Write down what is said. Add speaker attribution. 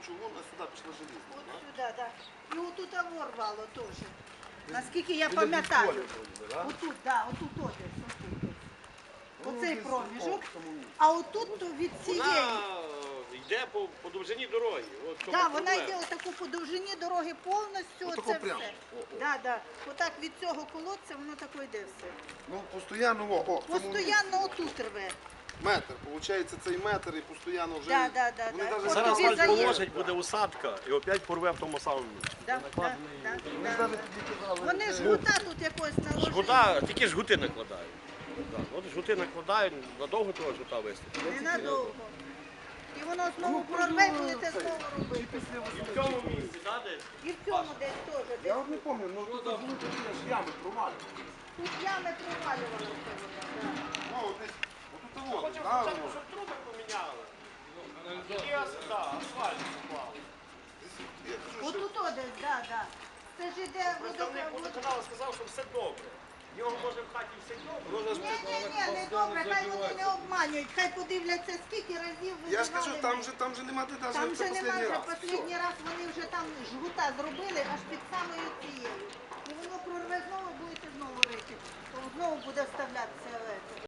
Speaker 1: чугун, а сюди пішла желізна.
Speaker 2: От
Speaker 1: так?
Speaker 2: сюди, так. І отут ворвало теж. Наскільки я пам'ятаю. Отут, так, отут десь, отут десь. Оцей проміжок. А отут то від цієї.
Speaker 3: Вона йде по довжині дороги. От в чому
Speaker 2: Так, вона
Speaker 3: проблема.
Speaker 2: йде отаку по довжині дороги повністю,
Speaker 1: Отако
Speaker 2: оце
Speaker 1: прямо.
Speaker 2: все.
Speaker 1: О.
Speaker 2: Так, так. Отак від цього колодця воно тако йде все.
Speaker 1: Ну, постійно, о, в цьому
Speaker 2: Постоянно отут рве.
Speaker 1: метр. Получається цей метр і постійно вже...
Speaker 2: Да.
Speaker 1: Вони
Speaker 2: От
Speaker 1: навіть
Speaker 3: Зараз
Speaker 2: тобі
Speaker 3: асфальт
Speaker 2: заїзд.
Speaker 3: положить, буде усадка і опять порве в тому самому місці.
Speaker 2: Вони жгута тут якось наложили.
Speaker 3: Жгута, тільки жгути накладають. Так, от жгути накладають, надовго того жгута вистачить.
Speaker 2: Ненадовго. І воно знову прорве і будете знову робити.
Speaker 3: І в цьому місці, так, десь?
Speaker 2: І в цьому десь теж.
Speaker 1: Я
Speaker 2: Десь.
Speaker 1: от не пам'ятаю, ну тут були такі аж ями провалювали.
Speaker 2: Тут ями провалювалися. вода,
Speaker 1: Ну, от десь, отут воно,
Speaker 3: Хочемо
Speaker 1: да,
Speaker 3: спочатку,
Speaker 1: воно.
Speaker 3: щоб труби поміняли. І асфальт поклали.
Speaker 1: Я кажу,
Speaker 2: да.
Speaker 1: що
Speaker 2: Отут десь, так. Це ж іде
Speaker 3: Представник водоканалу сказав, що все добре. В нього може в хаті все добре.
Speaker 2: Ні, не добре, хай вони не обманюють, хай подивляться, скільки разів визивали.
Speaker 1: Я ж кажу, там же нема де
Speaker 2: Там
Speaker 1: навіть це
Speaker 2: вже
Speaker 1: останній
Speaker 2: немає,
Speaker 1: раз.
Speaker 2: вже останній раз вони вже там жгута зробили аж під самою цією. І воно прорве знову, будете знову рити. То знову буде вставлятися.